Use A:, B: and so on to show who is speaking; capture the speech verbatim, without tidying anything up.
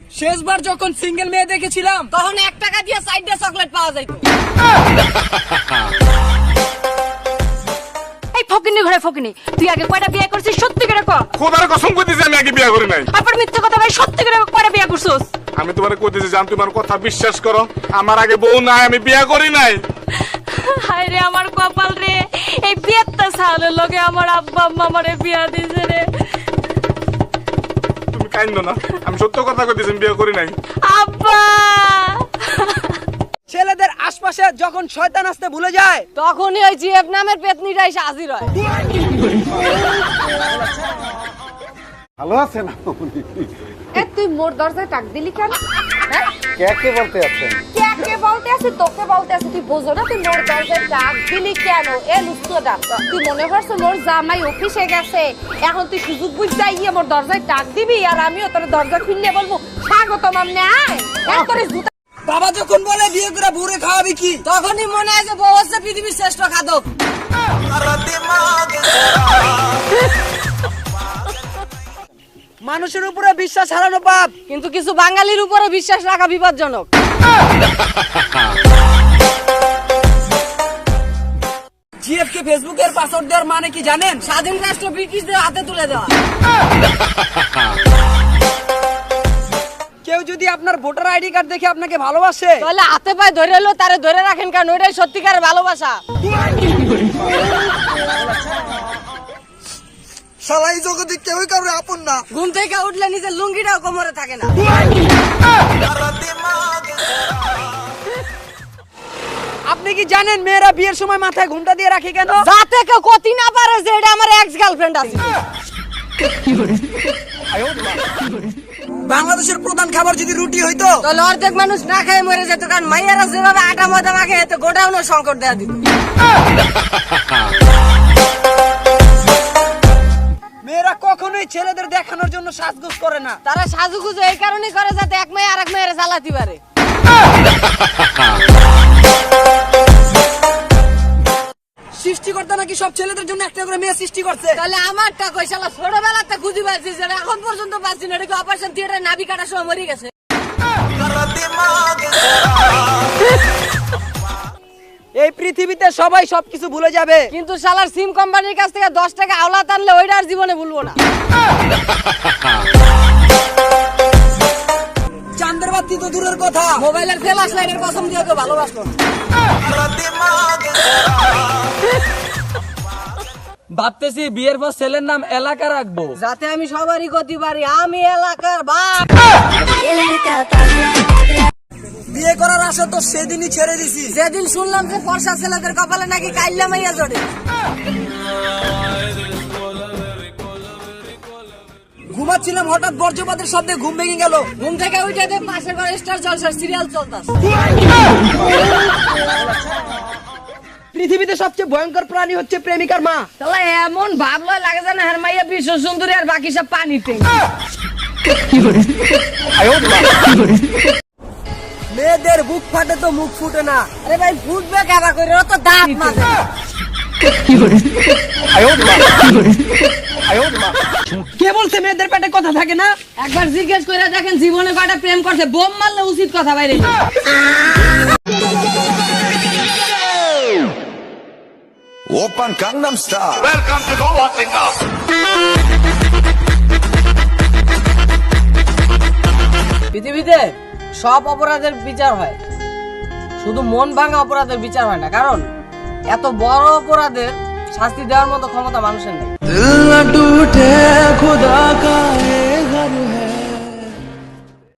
A: শেষবার যখন সিঙ্গেল মেয়ে দেখেছিলাম তখন এক টাকা দিয়ে সাইডে চকলেট পাওয়া যাইতো।
B: এই ফকিনি ঘরে ফকিনি, তুই আগে কয়টা বিয়ে করছিস সত্যি করে কও।
C: খোদার কসম কইতেছি আমি আগে বিয়ে করি নাই।
B: আবার মিথ্যা কথা ভাই, সত্যি করে কয়টা বিয়ে করছিস?
C: আমি তোমারে কইতেছি জান, তোমার কথা বিশ্বাস করো, আমার আগে বউ নাই, আমি বিয়ে করি নাই।
B: হায় রে আমার কপাল রে, এই বিয়েটা সালের লগে আমার আব্বা আম্মা আমারে বিয়া দিছে রে।
C: তুমি কাইন্দো না, আমি সত্য কথা কইতেছি, আমি বিয়ে করি নাই।
B: আব্বা
A: ছেলেদের আশপাশে যখন শয়তান আসতে ভুলে যায়
B: তখনই ওই জিএফ নামের পেতনিটা এসে হাজির হয়।
D: ভালো আছেন আপনি?
E: এ তুই মোর দরজায় টাক দিলি কেন? হ্যাঁ
D: কে কে বলতে আছেন?
E: কে কে বলতে আছে, তোকে বলতে আছে। তুই বোঝো না তুই মোর দরজায় টাক দিলি কেন? এ লুচ্চোটা, তুই মনে করছ মোর জামাই অফিসে গেছে, এখন তুই সুযোগ বুঝতে গিয়ে মোর দরজায় টাক দিবি আর আমিও তোর দরজা খুললে বলবো স্বাগতম আমনে আয়। এক করে জুতা।
A: বাবা যখন বলে বিয়ে করে বুড়ে খাওয়াবি কি, তখনই মনে হয় যে বউ হচ্ছে পৃথিবীর শ্রেষ্ঠ খাদক। মানুষের উপরে বিশ্বাস হারানো পাপ,
B: কিন্তু কিছু বাঙালির উপরে বিশ্বাস রাখা বিপজ্জনক।
A: জিএফ কে ফেসবুকের পাসওয়ার্ড দেওয়ার মানে কি জানেন? স্বাধীন রাষ্ট্র ব্রিটিশদের হাতে তুলে দেওয়া। কেউ যদি আপনার ভোটার আইডি কার্ড দেখে আপনাকে ভালোবাসে
B: তাহলে হাতে পায়ে ধরে এলো তারে ধরে রাখেন, কারণ ওইটাই সত্যিকারের ভালোবাসা।
A: শালা এই জগতে কেউই কারোর আপন না। ঘুম থেকে উঠলে নিজের লুঙ্গিটাও কোমরে থাকে না। আপনি কি জানেন মেয়েরা বিয়ের সময় মাথায় ঘুমটা দিয়ে রাখে কেন?
B: যাতে কেউ কতি না পারে যে এটা আমার এক্স গার্লফ্রেন্ড আছে।
A: বাংলাদেশের প্রধান খাবার যদি রুটি হইতো
B: তাহলে অর্ধেক মানুষ না খেয়ে মরে যেত, কারণ মাইয়ারা যেভাবে আটা ময়দা মাখে এতে গোডাউনের সংকট দেয়া দিত।
A: মেয়েরা কখনোই ছেলেদের দেখানোর জন্য সাজগোজ করে না।
B: তারা সাজুগুজু এই কারণেই করে যাতে এক মেয়ে আরেক মেয়ের জ্বালাতে পারে।
A: সৃষ্টিকর্তা নাকি সব ছেলেদের জন্য একটা করে মেয়ে সৃষ্টি করছে।
B: তাহলে আমারটা কই শালা ছোটবেলাতে খুঁজি পাচ্ছি, যেটা এখন পর্যন্ত পাচ্ছি না। এটা অপারেশন থিয়েটারে নাভি কাটার সময় মরে গেছে।
A: এই পৃথিবীতে সবাই সবকিছু ভুলে যাবে,
B: কিন্তু শালার সিম কোম্পানির কাছ থেকে দশ টাকা আওলা টানলে ওইটা আর জীবনে ভুলবো না।
A: চাঁদের বাতি তো দূরের কথা,
B: মোবাইলের ফ্ল্যাশ লাইটের কসম দিয়ে তো ভালোবাসলো।
A: ভাবতেছি বিয়ের পর ছেলের নাম এলাকা রাখবো,
B: যাতে আমি সবারই গতি পারি, আমি এলাকার বাপ।
A: বিয়ে করার আশা তো সেদিনই ছেড়ে দিছি
B: যেদিন শুনলাম যে ফর্সা ছেলেদের কপালে নাকি কাইল্লা মাইয়া জড়ে।
A: ঘুমাচ্ছিলাম, হঠাৎ বর্জ্যপাতের শব্দে ঘুম ভেঙে গেল।
B: ঘুম থেকে উঠে দেখ পাশের ঘরে স্টার জলসার সিরিয়াল চলতেছে।
A: পৃথিবীতে সবচেয়ে ভয়ঙ্কর প্রাণী হচ্ছে প্রেমিকার মা।
B: তাহলে এমন ভাবলো লাগে যেন হের মাইয়া বিশ্ব সুন্দরী আর বাকি সব পানিতে।
A: মেয়েদের বুক ফাটে তো মুখ ফুটে না।
B: আরে ভাই ফুটবে কারা করে, ও তো দাঁত মাঝে।
A: কে বলছে মেয়েদের পেটে কথা থাকে না?
B: একবার জিজ্ঞেস করে দেখেন জীবনে কয়টা প্রেম করছে, বোম মারলে উচিত কথা বাইরে।
F: Open Gangnam Style.
C: Welcome to the Watching Up.
B: পৃথিবীতে সব অপরাধের বিচার হয়, শুধু মন ভাঙা অপরাধের বিচার হয় না, কারণ এত বড় অপরাধের শাস্তি দেওয়ার মতো ক্ষমতা মানুষের নেই।
A: দিল না টুটে